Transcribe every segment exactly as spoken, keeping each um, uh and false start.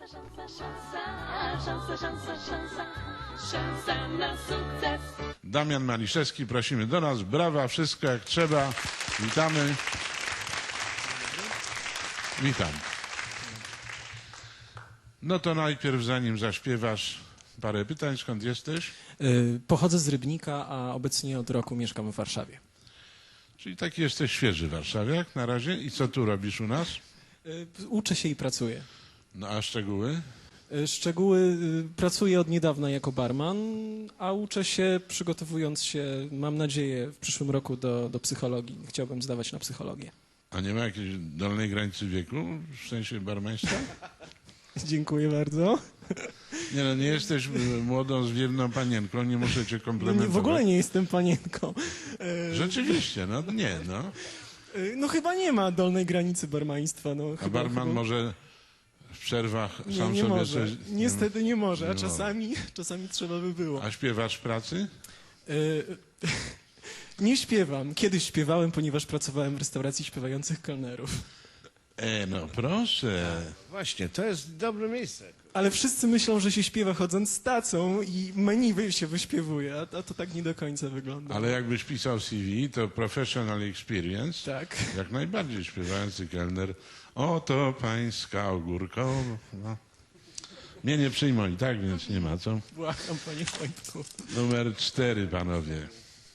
szansa, szansa, szansa, szansa, szansa, szansa na sukces. Damian Maliszewski, prosimy do nas, brawa, wszystko jak trzeba. Witamy. Witam. No to najpierw, zanim zaśpiewasz, parę pytań. Skąd jesteś? Yy, pochodzę z Rybnika, a obecnie od roku mieszkam w Warszawie. Czyli taki jesteś świeży warszawiak na razie. I co tu robisz u nas? Yy, uczę się i pracuję. No a szczegóły? Yy, szczegóły, yy, pracuję od niedawna jako barman, a uczę się przygotowując się, mam nadzieję, w przyszłym roku do, do psychologii. Chciałbym zdawać na psychologię. A nie ma jakiejś dolnej granicy wieku, w sensie barmaństwa? Dziękuję bardzo. Nie no, nie jesteś y, młodą, zwiewną panienką, nie muszę cię No komplementować. nie, w ogóle nie jestem panienką. Yy, Rzeczywiście, no nie, no. yy, no chyba nie ma dolnej granicy barmaństwa. No, A chyba, barman chyba... może w przerwach Nie, sam nie sobie może. coś... Niestety nie może, nie a czasami, czasami trzeba by było. A śpiewasz w pracy? Yy, nie śpiewam. Kiedyś śpiewałem, ponieważ pracowałem w restauracji śpiewających kelnerów. E, no proszę. Właśnie, to jest dobre miejsce. Ale wszyscy myślą, że się śpiewa chodząc z tacą i menu wy- się wyśpiewuje, a to, a to tak nie do końca wygląda. Ale jakbyś pisał C V, to professional experience, Tak. jak najbardziej śpiewający kelner. Oto pańska ogórko. No. Mnie nie przyjmą i tak, więc nie ma co. Błagam, panie Wojtku. Numer cztery, panowie.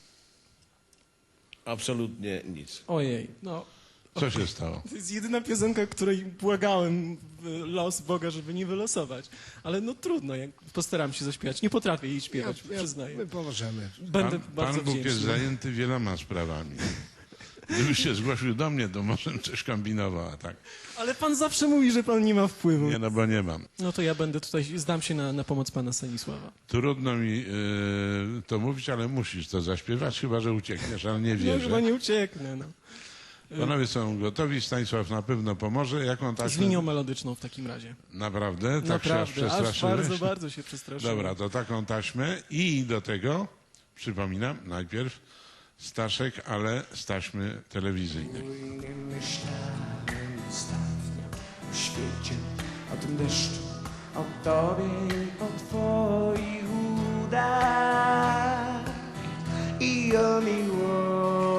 Absolutnie nic. Ojej, no. Co się stało? To jest jedyna piosenka, której błagałem w los Boga, żeby nie wylosować. Ale no trudno, jak postaram się zaśpiewać. Nie potrafię jej śpiewać, przyznaję. My pomożemy. Będę Pan, bardzo Pan Bóg jest wdzięczny. zajęty wieloma sprawami. Gdybyś się zgłosił do mnie, to może bym coś kombinował, a tak. Ale pan zawsze mówi, że pan nie ma wpływu. Nie, no bo nie mam. No to ja będę tutaj, zdam się na, na pomoc pana Stanisława. Trudno mi yy, to mówić, ale musisz to zaśpiewać, chyba że uciekniesz, ale nie No wierzę. chyba nie ucieknę, no. Panowie są gotowi, Stanisław na pewno pomoże. Jaką Z taśmę? linią melodyczną w takim razie. Naprawdę? Tak się aż Naprawdę, aż przestraszyłeś? bardzo, bardzo się przestraszyłem. Dobra, to taką taśmę i do tego, przypominam, najpierw Staszek, ale z taśmy telewizyjnej. Nie myślałem ostatnio o świecie, o tym deszczu, o tobie i o twoich udach i o miłości,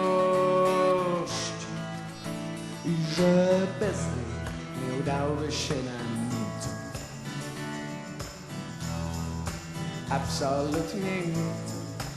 i że bez niej nie udałoby się nam nic, absolutnie nic.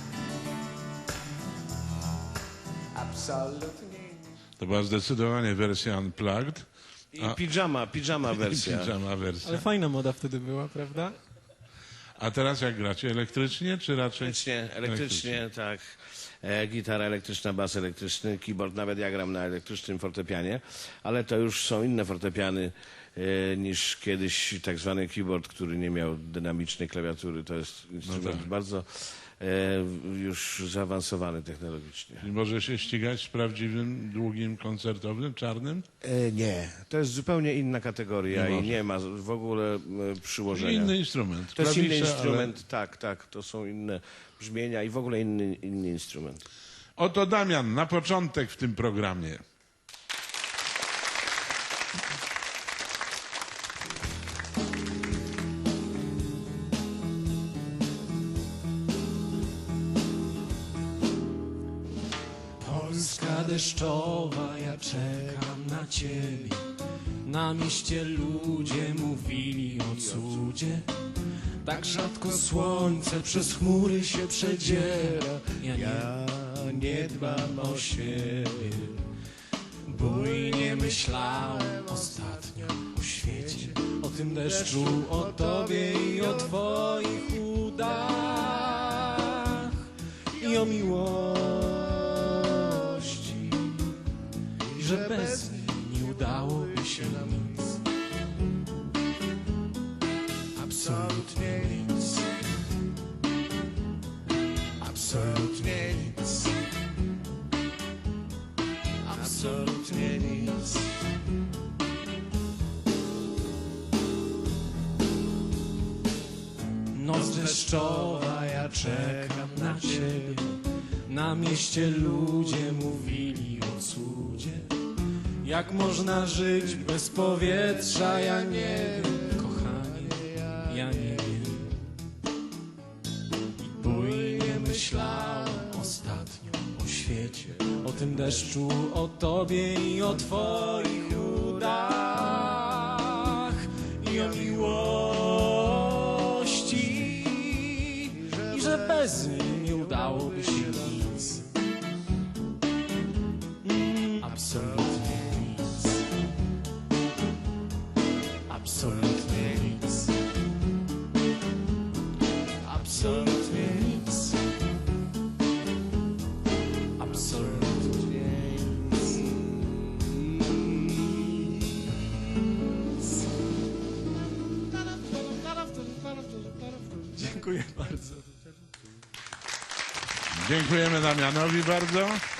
Absolutnie nic. To była zdecydowanie wersja unplugged. I A- pijama, pijama wersja. Pijama wersja. Ale fajna moda wtedy była, prawda? A teraz jak gracie? Elektrycznie czy raczej? Elektrycznie, elektrycznie, tak. E, gitara elektryczna, bas elektryczny, keyboard, nawet ja gram na elektrycznym fortepianie, ale to już są inne fortepiany e, niż kiedyś tak zwany keyboard, który nie miał dynamicznej klawiatury. To jest instrument tak. bardzo e, już zaawansowany technologicznie. Czyli może się ścigać z prawdziwym, długim, koncertowym, czarnym? E, nie, to jest zupełnie inna kategoria Nie i może. nie ma w ogóle e, przyłożenia. Inny instrument. To jest inny Klawisze, instrument, tak, tak, to są inne brzmienia i w ogóle inny, inny instrument. Ale... Oto Damian, na początek w tym programie. Polska deszczowa, ja czekam na ciebie. Na mieście ludzie mówili o cudzie. Tak rzadko słońce przez chmury się przedziera. Ja nie, ja nie dbam o siebie. Bujnie myślałem ostatnio o świecie, o tym deszczu, o tobie i o twoich udach i o miłości, i że bez niej nie udałoby się nam nic, absolutnie nic, absolutnie nic, absolutnie nic. Noc deszczowa, ja czekam na ciebie. Na mieście ludzie mówili o cudzie. Jak można żyć bez powietrza, ja nie wiem. ja nie wiem. I bujnie myślałem ostatnio o świecie, o tym deszczu, o tobie i o twoich udach i o miłości, i że bez niej nie udałoby się nic, mm, absolutnie nic, absolutnie nic, absolutnie nic, absolutnie nic. Dziękuję bardzo. Dziękujemy Damianowi bardzo.